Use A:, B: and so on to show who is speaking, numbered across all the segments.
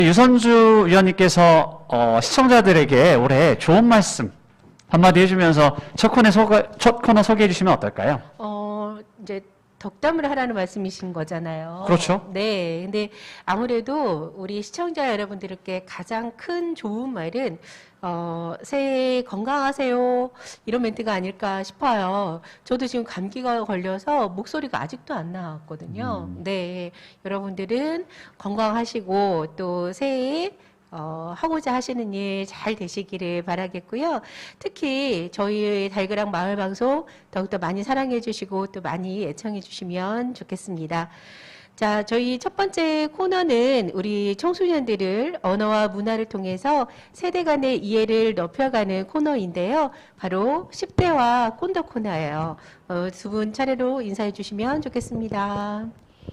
A: 유선주 위원님께서 시청자들에게 올해 좋은 말씀 한마디 해주면서 첫 코너 소개해 주시면 어떨까요?
B: 이제 덕담을 하라는 말씀이신 거잖아요.
A: 그렇죠.
B: 네. 근데 아무래도 우리 시청자 여러분들께 가장 큰 좋은 말은 새해 건강하세요. 이런 멘트가 아닐까 싶어요. 저도 지금 감기가 걸려서 목소리가 아직도 안 나왔거든요. 네. 여러분들은 건강하시고 또 새해에 하고자 하시는 일 잘 되시기를 바라겠고요. 특히 저희 달그락 마을방송 더욱더 많이 사랑해 주시고 또 많이 애청해 주시면 좋겠습니다. 자, 저희 첫 번째 코너는 우리 청소년들을 언어와 문화를 통해서 세대 간의 이해를 높여가는 코너인데요. 바로 10대와 꼰더 코너예요. 두 분 차례로 인사해 주시면 좋겠습니다.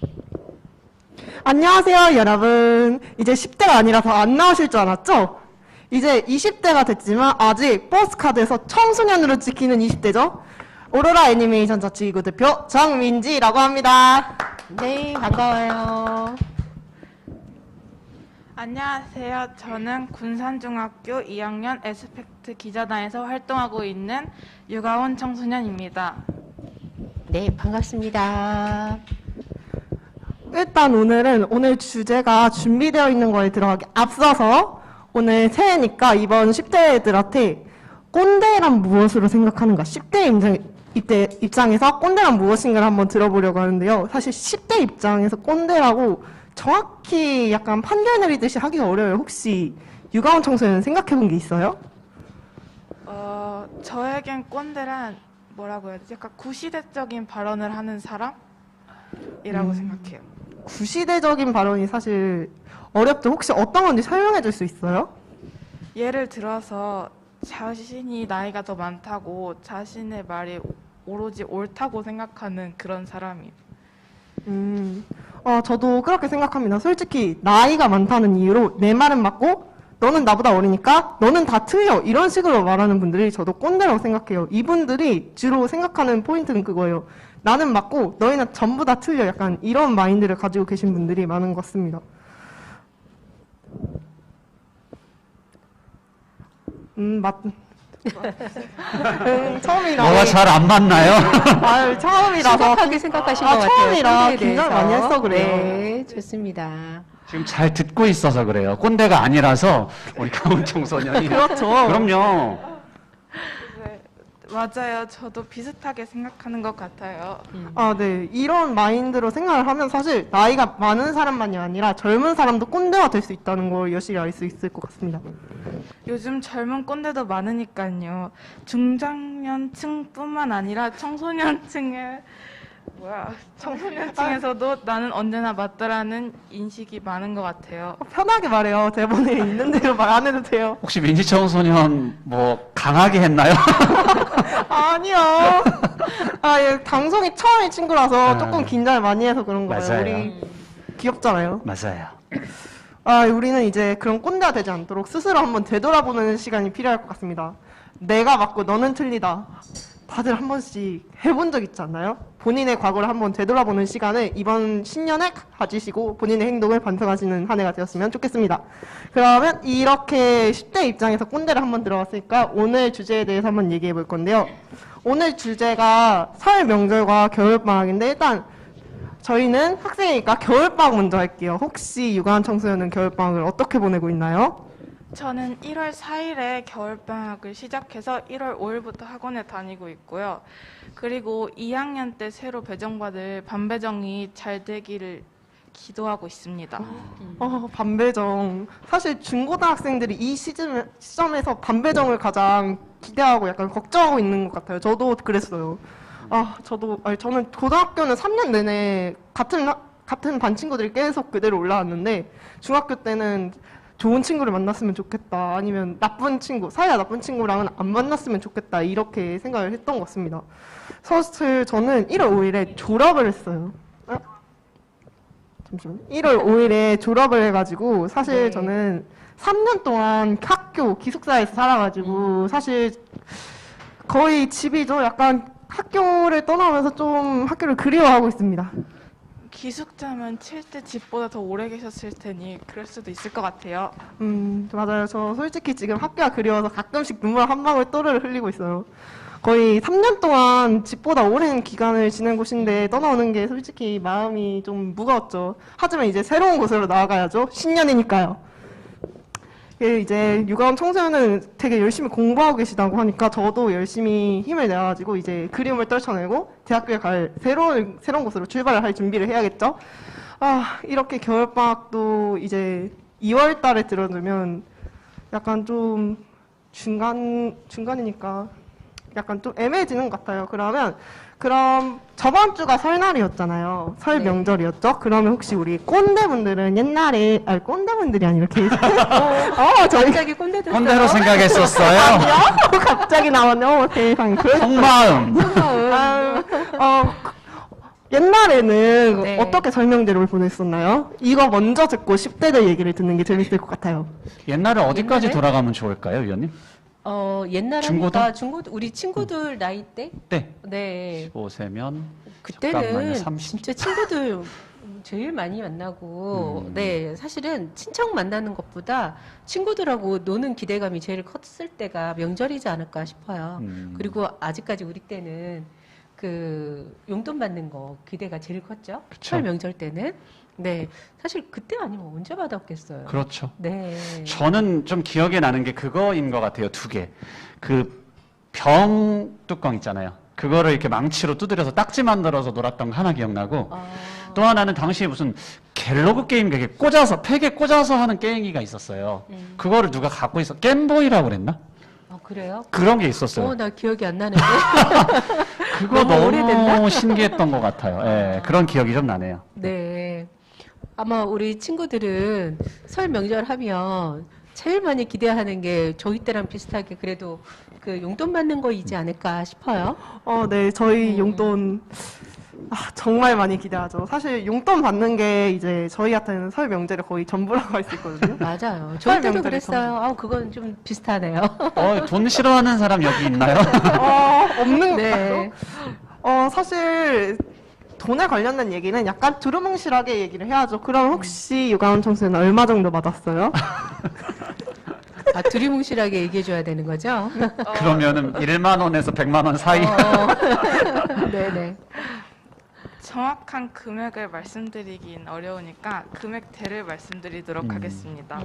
C: 안녕하세요, 여러분. 이제 10대가 아니라서 안 나오실 줄 알았죠? 이제 20대가 됐지만 아직 버스카드에서 청소년으로 찍히는 20대죠? 오로라 애니메이션 자치기구 대표 정민지라고 합니다.
B: 네, 반가워요.
D: 안녕하세요. 저는 군산중학교 2학년 에스펙트 기자단에서 활동하고 있는 유가온 청소년입니다.
B: 네, 반갑습니다.
C: 일단 오늘 주제가 준비되어 있는 거에 들어가기 앞서서 오늘 새해니까 이번 10대들한테 꼰대란 무엇으로 생각하는가 10대 입장에서 꼰대란 무엇인가를 한번 들어보려고 하는데요. 사실 10대 입장에서 꼰대라고 정확히 약간 판결 내리듯이 하기가 어려워요. 혹시 유가온 청소년 생각해 본 게 있어요?
D: 저에겐 꼰대란 뭐라고 해야 되지? 약간 구시대적인 발언을 하는 사람이라고 생각해요.
C: 구시대적인 발언이 사실 어렵죠. 혹시 어떤 건지 설명해 줄 수 있어요?
D: 예를 들어서 자신이 나이가 더 많다고 자신의 말이 오로지 옳다고 생각하는 그런 사람이에요.
C: 저도 그렇게 생각합니다. 솔직히 나이가 많다는 이유로 내 말은 맞고 너는 나보다 어리니까 너는 다 틀려 이런 식으로 말하는 분들이 저도 꼰대라고 생각해요. 이분들이 주로 생각하는 포인트는 그거예요. 나는 맞고 너희는 전부 다 틀려 약간 이런 마인드를 가지고 계신 분들이 많은 것 같습니다. 처음이라.
A: 뭐가 잘 안 맞나요?
C: 아유, 처음이라서.
B: 심각하게 생각하신 것 같아요.
C: 처음이라
B: 꼰대에
C: 긴장을
B: 대해서.
C: 많이 해서 그래요.
B: 네, 좋습니다.
A: 지금 잘 듣고 있어서 그래요. 꼰대가 아니라서 우리 가온 청소년이.
C: 그렇죠.
A: 그럼요.
D: 네, 맞아요. 저도 비슷하게 생각하는 것 같아요.
C: 네. 이런 마인드로 생각을 하면 사실 나이가 많은 사람만이 아니라 젊은 사람도 꼰대가 될 수 있다는 걸 여실히 알 수 있을 것 같습니다.
D: 요즘 젊은 꼰대도 많으니까요. 중장년층뿐만 아니라 청소년층에서도 나는 언제나 맞다라는 인식이 많은 것 같아요.
C: 편하게 말해요. 대본에 있는 대로 말 안 해도 돼요.
A: 혹시 민지 청소년 뭐 강하게 했나요?
C: 아니요. 예, 방송이 처음인 친구라서 조금 긴장을 많이 해서 그런 거예요.
A: 맞아요.
C: 우리 귀엽잖아요.
A: 맞아요.
C: 우리는 이제 그런 꼰대가 되지 않도록 스스로 한번 되돌아보는 시간이 필요할 것 같습니다. 내가 맞고 너는 틀리다. 다들 한 번씩 해본 적 있지 않나요? 본인의 과거를 한번 되돌아보는 시간을 이번 신년에 가지시고 본인의 행동을 반성하시는 한 해가 되었으면 좋겠습니다. 그러면 이렇게 10대 입장에서 꼰대를 한번 들어봤으니까 오늘 주제에 대해서 한번 얘기해 볼 건데요. 오늘 주제가 설 명절과 겨울방학인데 일단 저희는 학생이니까 겨울방학 먼저 할게요. 혹시 유가온 청소년은 겨울방학을 어떻게 보내고 있나요?
D: 저는 1월 4일에 겨울방학을 시작해서 1월 5일부터 학원에 다니고 있고요. 그리고 2학년 때 새로 배정받을 반배정이 잘 되기를 기도하고 있습니다.
C: 반배정. 사실 중고등학생들이 이 시점에서 반배정을 가장 기대하고 약간 걱정하고 있는 것 같아요. 저도 그랬어요. 저는 고등학교는 3년 내내 같은 반 친구들이 계속 그대로 올라왔는데 중학교 때는 좋은 친구를 만났으면 좋겠다. 아니면 나쁜 친구, 사이가 나쁜 친구랑은 안 만났으면 좋겠다. 이렇게 생각을 했던 것 같습니다. 사실 저는 1월 5일에 졸업을 했어요. 잠시만요. 1월 5일에 졸업을 해가지고 사실 저는 3년 동안 학교 기숙사에서 살아가지고 사실 거의 집이죠. 약간 학교를 떠나면서 좀 학교를 그리워하고 있습니다.
D: 기숙자면 칠 때 집보다 더 오래 계셨을 테니 그럴 수도 있을 것 같아요.
C: 맞아요. 저 솔직히 지금 학교가 그리워서 가끔씩 눈물 한 방울 또르르 흘리고 있어요. 거의 3년 동안 집보다 오랜 기간을 지낸 곳인데 떠나오는 게 솔직히 마음이 좀 무거웠죠. 하지만 이제 새로운 곳으로 나아가야죠. 신년이니까요. 이제 유가원 청소년은 되게 열심히 공부하고 계시다고 하니까 저도 열심히 힘을 내가지고 이제 그리움을 떨쳐내고 대학교에 갈 새로운 곳으로 출발을 할 준비를 해야겠죠. 아, 이렇게 겨울방학도 이제 2월 달에 들어두면 약간 좀 중간이니까 약간 좀 애매해지는 것 같아요. 그럼 저번 주가 설날이었잖아요. 설
B: 네.
C: 명절이었죠. 그러면 혹시 우리 꼰대분들은 옛날에 꼰대분들이 아니라 이렇게 저희
B: 갑자기 꼰대 됐어요.
A: 꼰대로 생각했었어요.
C: 갑자기 나왔네요. 세상에.
A: 속마음.
C: 옛날에는
B: 네.
C: 어떻게 설명제를 보냈었나요? 이거 먼저 듣고 10대들 얘기를 듣는 게 재밌을 것 같아요.
A: 옛날에 어디까지
B: 옛날에?
A: 돌아가면 좋을까요, 위원님?
B: 옛날
A: 중고등?
B: 하니까 중고등 우리 친구들 나이 때?
A: 네.
B: 네.
A: 15세면
B: 그때는
A: 잠깐만요, 30.
B: 진짜 친구들 제일 많이 만나고, 네, 사실은 친척 만나는 것보다 친구들하고 노는 기대감이 제일 컸을 때가 명절이지 않을까 싶어요. 그리고 아직까지 우리 때는 그 용돈 받는 거 기대가 제일 컸죠.
A: 그쵸.
B: 설 명절 때는. 네, 사실 그때 아니면 언제 받았겠어요.
A: 그렇죠.
B: 네.
A: 저는 좀 기억에 나는 게 그거인 것 같아요. 두 개. 그 병 뚜껑 있잖아요. 그거를 이렇게 망치로 두드려서 딱지 만들어서 놀았던 거 하나 기억나고, 또 하나는 당시에 무슨 갤러그 게임 되게 꽂아서 팩에 꽂아서 하는 게임기가 있었어요. 그거를 누가 갖고 있어. 겜보이라고 그랬나?
B: 그래요?
A: 그런 게 있었어요.
B: 나 기억이 안 나는데.
A: 그거
B: 너무 오래됐나?
A: 너무 신기했던 것 같아요. 예, 그런 기억이 좀 나네요.
B: 네. 아마 우리 친구들은 설 명절 하면 제일 많이 기대하는 게 저희 때랑 비슷하게 그래도 그 용돈 받는 거이지 않을까 싶어요.
C: 네, 저희 용돈 정말 많이 기대하죠. 사실 용돈 받는 게 이제 저희한테는 설 명절의 거의 전부라고 할 수 있거든요.
B: 맞아요. 저희 때도
C: 명절에
B: 그랬어요. 그건 좀 비슷하네요.
A: 돈 싫어하는 사람 여기 있나요?
C: 없는
B: 네.
C: 사실 돈에 관련된 얘기는 약간 두루뭉실하게 얘기를 해야죠. 그럼 혹시 유가원 청소년 얼마 정도 받았어요?
B: 두리뭉실하게 얘기해줘야 되는 거죠?
A: 그러면은 1만 원에서 100만 원 사이.
B: 네네.
D: 정확한 금액을 말씀드리긴 어려우니까 금액대를 말씀드리도록 하겠습니다.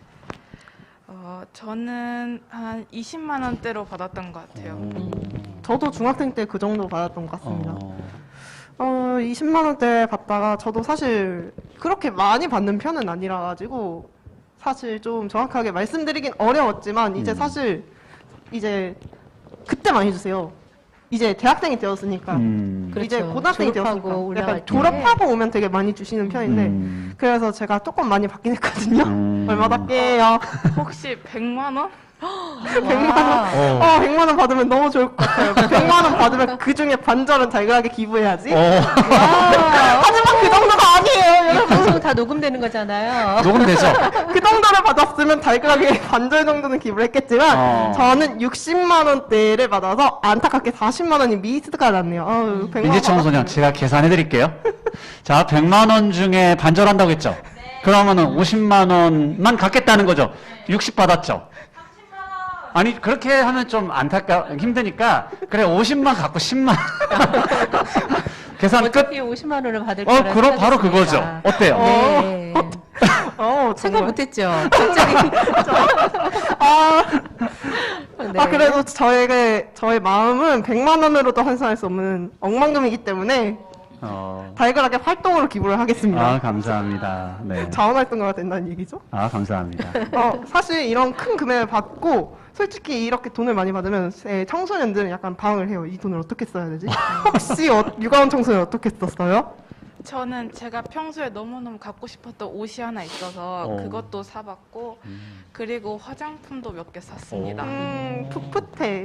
D: 저는 한 20만 원대로 받았던 것 같아요.
C: 저도 중학생 때 그 정도 받았던 것 같습니다. 20만 원대 받다가 저도 사실 그렇게 많이 받는 편은 아니라 가지고 사실 좀 정확하게 말씀드리긴 어려웠지만 이제 사실 이제 그때 많이 주세요. 이제 대학생이 되었으니까 이제
B: 그렇죠.
C: 고등학생이
B: 졸업하고
C: 되었으니까
B: 올라갈
C: 약간
B: 때.
C: 졸업하고 오면 되게 많이 주시는 편인데 그래서 제가 조금 많이 받긴 했거든요. 얼마 받게요?
D: 혹시 100만 원?
C: 100만 원. 100만 원 받으면 너무 좋을 것 같아요. 100만 원 받으면 그 중에 반절은 달걀하게 기부해야지. 하지만 그 정도가 아니에요,
B: 이
C: 여러분.
B: 방송 다 녹음되는 거잖아요.
A: 녹음되죠?
C: 그 정도를 받았으면 달걀하게 반절 정도는 기부를 했겠지만 저는 60만 원대를 받아서 안타깝게 40만 원이 미스가 났네요. 100만 원
A: 민지 청소년 제가 계산해 드릴게요. 자, 100만 원 중에 반절한다고 했죠? 그러면은 50만 원만 갖겠다는 거죠? 60 받았죠? 아니 그렇게 하면 좀 힘드니까 그래 50만 갖고 10만 계산 끝.
B: 어차피 50만 원을 받을 거라
A: 그럼 바로 그거죠.
B: 생각했으니까.
A: 어때요?
B: 네.
C: 정말.
B: 생각 못했죠. 갑자기. 네.
C: 그래도 저의 마음은 100만 원으로도 환산할 수 없는 억만금이기 때문에 달걀하게 활동으로 기부를 하겠습니다.
A: 감사합니다. 네.
C: 자원활동가가 된다는 얘기죠?
A: 감사합니다.
C: 사실 이런 큰 금액을 받고 솔직히 이렇게 돈을 많이 받으면 청소년들은 약간 방황을 해요. 이 돈을 어떻게 써야 되지? 혹시 유가원 청소년 어떻게 썼어요?
D: 저는 제가 평소에 너무너무 갖고 싶었던 옷이 하나 있어서 그것도 사봤고 그리고 화장품도 몇 개 샀습니다.
C: 풋풋해.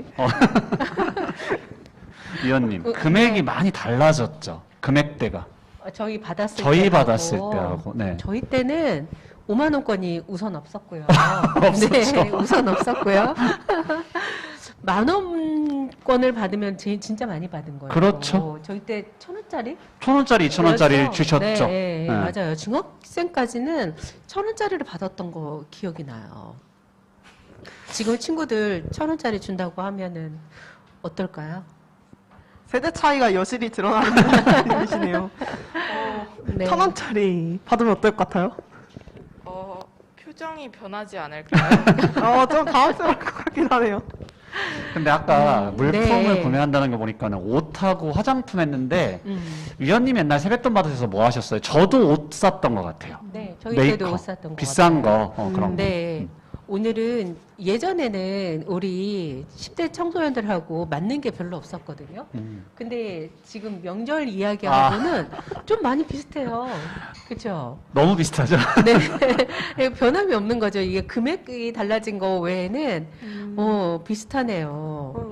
A: 위원님, 금액이 많이 달라졌죠? 금액대가.
B: 저희 받았을
A: 받았을 때하고, 네.
B: 저희 때는 5만 원권이 우선 없었고요.
A: 없었죠.
B: 네, 우선 없었고요. 10,000원권을 받으면 진짜 많이 받은 거예요.
A: 그렇죠.
B: 저희 때 1,000원짜리?
A: 1,000원짜리, 2,000원짜리
B: 그렇죠.
A: 주셨죠.
B: 네,
A: 네.
B: 맞아요. 중학생까지는 1,000원짜리를 받았던 거 기억이 나요. 지금 친구들 1,000원짜리 준다고 하면은 어떨까요?
C: 세대 차이가 여실히 드러나는 분이시네요.
B: 네.
C: 1,000원짜리 받으면 어떨 것 같아요?
D: 표정이 변하지 않을까요?
C: 좀 당황스러울 것 같긴 하네요.
A: 근데 아까 물품을
B: 네.
A: 구매한다는 거 보니까는 옷하고 화장품 했는데 위원님 옛날 세뱃돈 받으셔서 뭐 하셨어요? 저도 옷 샀던 것 같아요.
B: 네, 저희
A: 메이커.
B: 때도 옷 샀던 거
A: 비싼
B: 같아요.
A: 거 그런 거.
B: 네. 오늘은 예전에는 우리 10대 청소년들하고 맞는 게 별로 없었거든요. 근데 지금 명절 이야기하고는 좀 많이 비슷해요. 그렇죠?
A: 너무 비슷하죠?
B: 네. 변함이 없는 거죠. 이게 금액이 달라진 거 외에는 비슷하네요.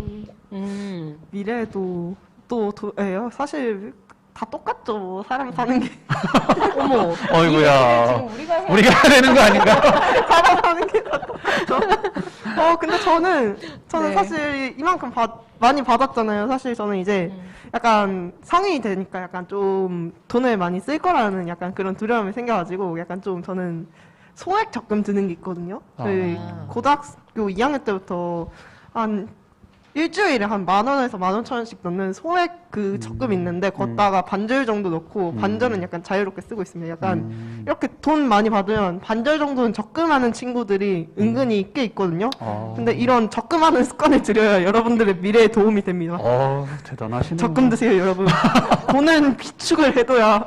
C: 미래에도 예요. 사실 다 똑같죠. 사람 사는 게.
B: 어머.
A: 어이구야.
B: 지금 우리가 해야
A: 우리가 해야 되는 거 아닌가?
C: 사람 사는 게 다 똑같죠. 근데 저는
B: 네.
C: 사실 이만큼 많이 받았잖아요. 사실 저는 이제 약간 성인이 되니까 약간 좀 돈을 많이 쓸 거라는 약간 그런 두려움이 생겨가지고 약간 좀 저는 소액 적금 드는 게 있거든요. 저희 고등학교 2학년 때부터 한 일주일에 한 10,000원에서 15,000원씩 넣는 소액 그 적금이 있는데 걷다가 반절 정도 넣고 반절은 약간 자유롭게 쓰고 있습니다. 약간 이렇게 돈 많이 받으면 반절 정도는 적금하는 친구들이 은근히 꽤 있거든요. 근데 이런 적금하는 습관을 들여야 여러분들의 미래에 도움이 됩니다.
A: 대단하시네.
C: 적금 드세요, 여러분. 돈은 비축을 해둬야.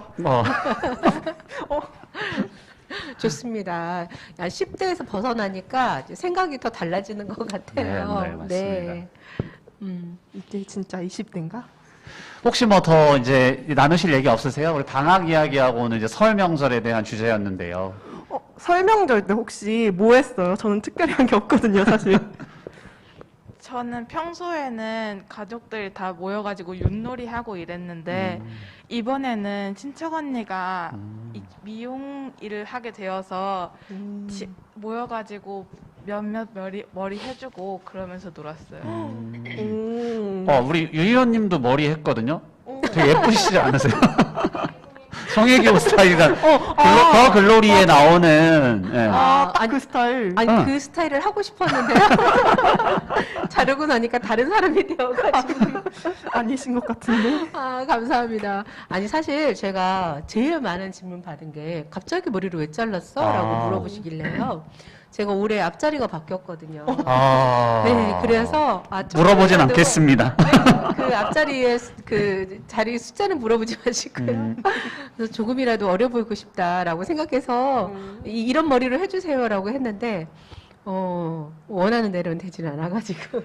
B: 좋습니다. 10대에서 벗어나니까 이제 생각이 더 달라지는 것 같아요.
A: 네, 맞습니다.
C: 이제 진짜 20대인가?
A: 혹시 뭐 더 이제 나누실 얘기 없으세요? 우리 방학 이야기하고 오늘 이제 설 명절에 대한 주제였는데요.
C: 설명절 때 혹시 뭐 했어요? 저는 특별히 한 게 없거든요, 사실.
D: 저는 평소에는 가족들이 다 모여가지고 윷놀이 하고 이랬는데 이번에는 친척 언니가 미용 일을 하게 되어서 모여가지고 몇몇 머리 해주고 그러면서 놀았어요.
A: 우리 유 의원님도 머리 했거든요. 되게 예쁘시지 않으세요? 성혜교 스타일이란 더 글로리에 나오는 예.
C: 딱 그 스타일.
B: 아니 그 스타일을 하고 싶었는데요. 자르고 나니까 다른 사람이 되어가지고.
C: 아니신 것 같은데.
B: 감사합니다. 아니 사실 제가 제일 많은 질문 받은 게 갑자기 머리를 왜 잘랐어? 라고 물어보시길래요. 제가 올해 앞자리가 바뀌었거든요. 네, 그래서
A: 물어보진 않겠습니다.
B: 그 앞자리에 그 자리 숫자는 물어보지 마시고요. 그래서 조금이라도 어려 보이고 싶다라고 생각해서 이런 머리를 해주세요라고 했는데 원하는 대로는 되지는 않아가지고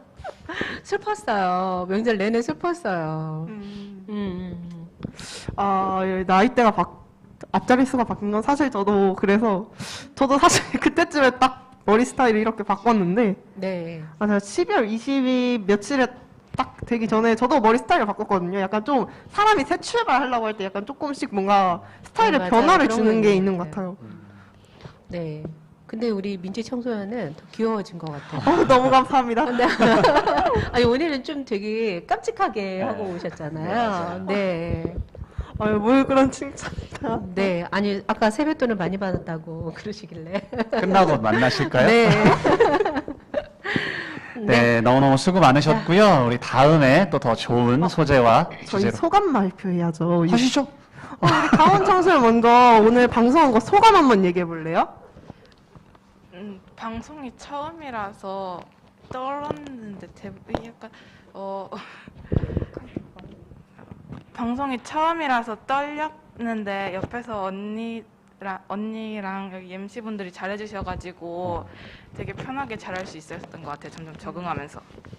B: 슬펐어요. 명절 내내 슬펐어요.
C: 나이대가 앞자리 수가 바뀐 건 사실 저도 그래서 저도 사실 그때쯤에 딱 머리 스타일을 이렇게 바꿨는데
B: 네.
C: 제가 12월 20일 며칠에 딱 되기 전에 저도 머리 스타일을 바꿨거든요. 약간 좀 사람이 새 출발하려고 할 때 약간 조금씩 뭔가 스타일에
B: 맞아요.
C: 변화를
B: 그런
C: 주는
B: 거
C: 게
B: 있는
C: 있는
B: 것
C: 것 같아요.
B: 네. 근데 우리 민지 청소년은 더 귀여워진 것 같아요.
C: 너무 감사합니다.
B: 아니 오늘은 좀 되게 깜찍하게 하고 오셨잖아요. 네.
C: 뭘 그런 칭찬이다.
B: 네. 아니 아까 세뱃돈을 많이 받았다고 그러시길래.
A: 끝나고 만나실까요?
B: 네.
A: 네, 너무너무 수고 많으셨고요. 우리 다음에 또 더 좋은 소재와
C: 저희
A: 주제로
C: 소감 발표해야죠.
A: 하시죠.
C: 우리 강원 청소년 먼저 오늘 방송한 거 소감 한번 얘기해 볼래요?
D: 방송이 처음이라서 떨었는데 약간 방송이 처음이라서 떨렸는데 옆에서 언니랑 여기 MC분들이 잘해주셔가지고 되게 편하게 잘할 수 있었던 것 같아요. 점점 적응하면서.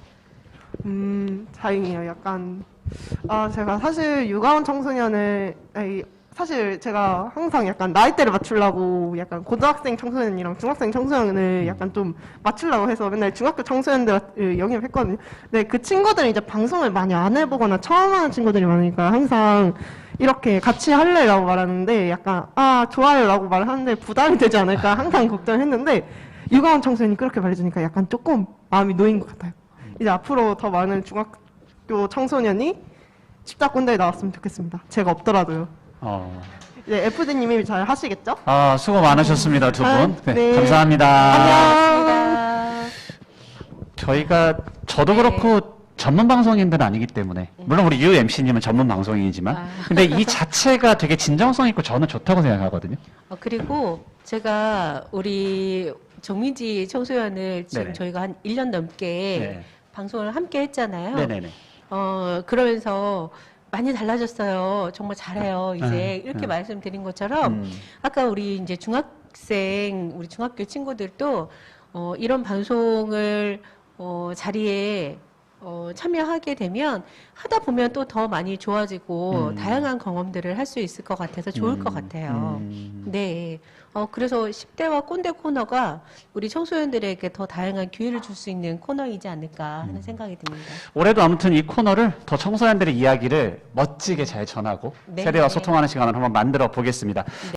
C: 다행이에요. 약간 제가 사실 유가원 청소년을 사실 제가 항상 약간 나이대를 맞추려고 약간 고등학생 청소년이랑 중학생 청소년을 약간 좀 맞추려고 해서 맨날 중학교 청소년들을 영입했거든요. 근데 그 친구들이 이제 방송을 많이 안 해보거나 처음 하는 친구들이 많으니까 항상 이렇게 같이 할래라고 말하는데 약간 좋아요라고 말하는데 부담이 되지 않을까 항상 걱정했는데 유가원 청소년이 그렇게 말해주니까 약간 조금 마음이 놓인 것 같아요. 이제 앞으로 더 많은 중학교 청소년이 십자군대에 나왔으면 좋겠습니다. 제가 없더라도요. 이제 FD님이 잘 하시겠죠?
A: 수고 많으셨습니다, 두 분. 네,
C: 네.
A: 감사합니다.
B: 반갑습니다.
A: 저도 그렇고 전문 방송인들은 아니기 때문에, 물론 우리 UMC님은 전문 방송인이지만, 근데 이 자체가 되게 진정성 있고 저는 좋다고 생각하거든요.
B: 그리고 제가 우리 정민지 청소년을 지금
A: 네네.
B: 저희가 한 1년 넘게
A: 네.
B: 방송을 함께 했잖아요.
A: 네네네.
B: 그러면서 많이 달라졌어요. 정말 잘해요. 이제 이렇게 말씀드린 것처럼 아까 우리 이제 우리 중학교 친구들도 이런 방송을 자리에 참여하게 되면 하다 보면 또 더 많이 좋아지고 다양한 경험들을 할 수 있을 것 같아서 좋을 것 같아요. 네. 그래서 10대와 꼰대 코너가 우리 청소년들에게 더 다양한 기회를 줄 수 있는 코너이지 않을까 하는 생각이 듭니다.
A: 올해도 아무튼 이 코너를 더 청소년들의 이야기를 멋지게 잘 전하고
B: 네.
A: 세대와 소통하는 시간을 한번 만들어 보겠습니다.